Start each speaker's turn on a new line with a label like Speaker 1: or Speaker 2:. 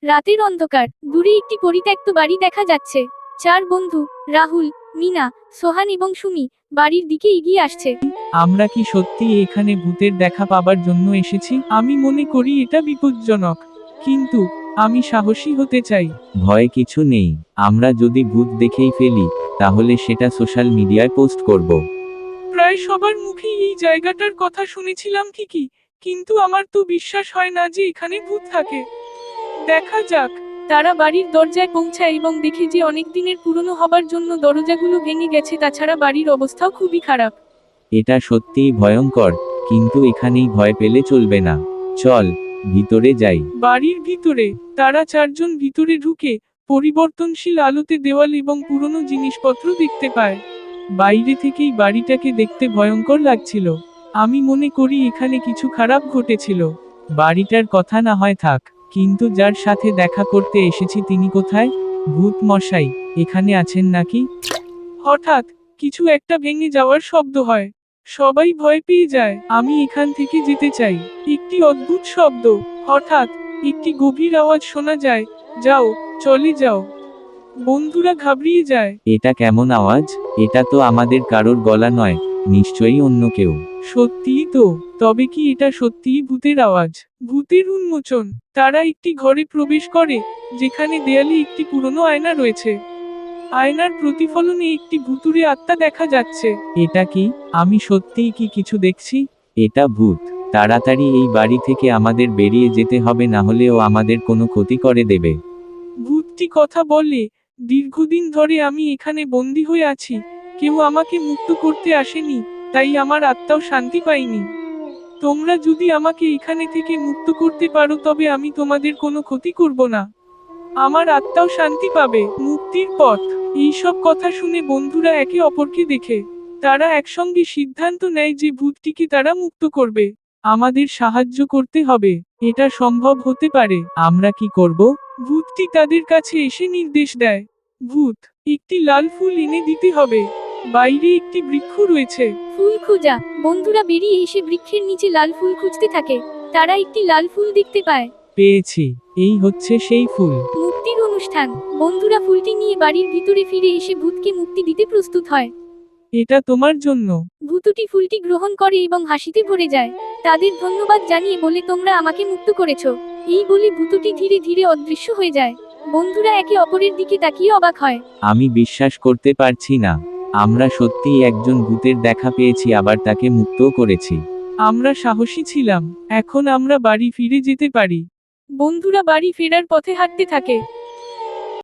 Speaker 1: রাতের অন্ধকার, দূরে একটি পরিত্যক্ত বাড়ি দেখা যাচ্ছে। চার বন্ধু, রাহুল, মিনা, সোহান এবং সুমি, বাড়ির দিকে এগিয়ে আসছে।
Speaker 2: আমরা কি সত্যি এখানে ভূতের দেখা পাবার জন্য এসেছি? আমি মনে করি এটা বিপজ্জনক, কিন্তু আমি সাহসী হতে চাই।
Speaker 3: ভয় কিছু নেই, আমরা যদি ভূত দেখেই ফেলি তাহলে সেটা সোশ্যাল মিডিয়ায় পোস্ট করব।
Speaker 2: প্রায় সবার মুখেই এই জায়গাটার কথা শুনেছিলাম ঠিকই, কিন্তু আমার তো বিশ্বাস হয় না যে এখানে ভূত থাকে। দেখা যাক। তারা বাড়ির দরজায় পৌঁছায় এবং দেখে যে অনেক দিনের পুরনো হবার জন্য দরজাগুলো ভেঙে গেছে, তাছাড়া বাড়ির অবস্থাও খুবই খারাপ।
Speaker 3: এটা সত্যিই ভয়ঙ্কর, কিন্তু এখানেই ভয় পেলে চলবে না। চল ভিতরে যাই।
Speaker 2: বাড়ির ভিতরে তারা চারজন ভিতরে ঢুকে পরিবর্তনশীল আলোতে দেওয়াল এবং পুরনো জিনিসপত্র দেখতে পায়। বাইরে থেকেই বাড়িটাকে দেখতে ভয়ঙ্কর লাগছিল। আমি মনে করি এখানে কিছু খারাপ ঘটেছিল। বাড়িটার কথা না হয় থাক, কিন্তু যার সাথে দেখা করতে এসেছি তিনি কোথায়? ভূত মশাই এখানে আছেন নাকি? হঠাৎ কিছু একটা ভেঙে যাওয়ার শব্দ হয়। সবাই ভয় পেয়ে যায়। আমি এখান থেকে যেতে চাই। একটি অদ্ভুত শব্দ। হঠাৎ একটি গভীর আওয়াজ শোনা যায়, যাও, চলে যাও। বন্ধুরা ঘাবড়িয়ে যায়।
Speaker 3: এটা কেমন আওয়াজ? এটা তো আমাদের কারোর গলা নয়, নিশ্চয়ই অন্য কেউ।
Speaker 2: সত্যিই তো। তবে কি এটা সত্যিই ভূতের আওয়াজ? ভূতের উন্মোচন। তারা একটি ঘরে প্রবেশ করে, যেখানে দেয়ালে একটি পুরনো আয়না রয়েছে। আয়নার প্রতিফলনে একটি ভুতুড়ে আত্মা দেখা যাচ্ছে। এটা কি? আমি সত্যিই কি কিছু দেখছি?
Speaker 3: এটা ভূত। তাড়াতাড়ি এই বাড়ি থেকে আমাদের বেরিয়ে যেতে হবে, না হলে ও আমাদের কোনো ক্ষতি করে দেবে।
Speaker 2: ভূতটি কথা বলে, দীর্ঘদিন ধরে আমি এখানে বন্দী হয়ে আছি। কেউ আমাকে মুক্ত করতে আসেনি, তাই আমার আত্মাও শান্তি পায়নি। তোমরা যদি আমাকে এখানে থেকে মুক্ত করতে পারো তবে আমি তোমাদের কোনো ক্ষতি করব না। আমার আত্মাও শান্তি পাবে। মুক্তির পথ। এইসব কথা শুনে বন্ধুরা একে অপরকে দেখে তারা একসঙ্গে সিদ্ধান্ত নেয় যে ভূতটিকে তারা মুক্ত করবে। আমাদের সাহায্য করতে হবে। এটা সম্ভব হতে পারে। আমরা কি করব? ভূতটি তাদের কাছে এসে নির্দেশ দেয়। ভূত, একটি লাল ফুল এনে দিতে হবে। বাইরে একটি বৃক্ষ রয়েছে।
Speaker 1: ফুল খোঁজা। বন্ধুরা বেরিয়ে এসে বৃক্ষের নিচে লাল ফুল খুঁজতে থাকে। তারা একটি লাল ফুল দেখতে পায়।
Speaker 2: পেয়েছি। এই হচ্ছে সেই ফুল।
Speaker 1: মুক্তির অনুষ্ঠান। বন্ধুরা ফুলটি নিয়ে বাড়ির ভিতরে ফিরে এসে ভূতকে মুক্তি দিতে প্রস্তুত হয়।
Speaker 2: এটা তোমার জন্য।
Speaker 1: ভূতটি ফুলটি গ্রহণ করে এবং হাসিতে ভরে যায়। তাদের ধন্যবাদ জানিয়ে বলে, তোমরা আমাকে মুক্ত করেছো। এই বলে ভূতটি ধীরে ধীরে অদৃশ্য হয়ে যায়। বন্ধুরা একে অপরের দিকে তাকিয়ে অবাক হয়।
Speaker 3: আমি বিশ্বাস করতে পারছি না। আমরা সত্যিই একজন ভূতের দেখা পেয়েছি, আবার তাকে মুক্তও করেছি।
Speaker 2: আমরা সাহসী ছিলাম। এখন আমরা বাড়ি ফিরে যেতে পারি। বন্ধুরা বাড়ি ফেরার পথে হাঁটতে থাকে।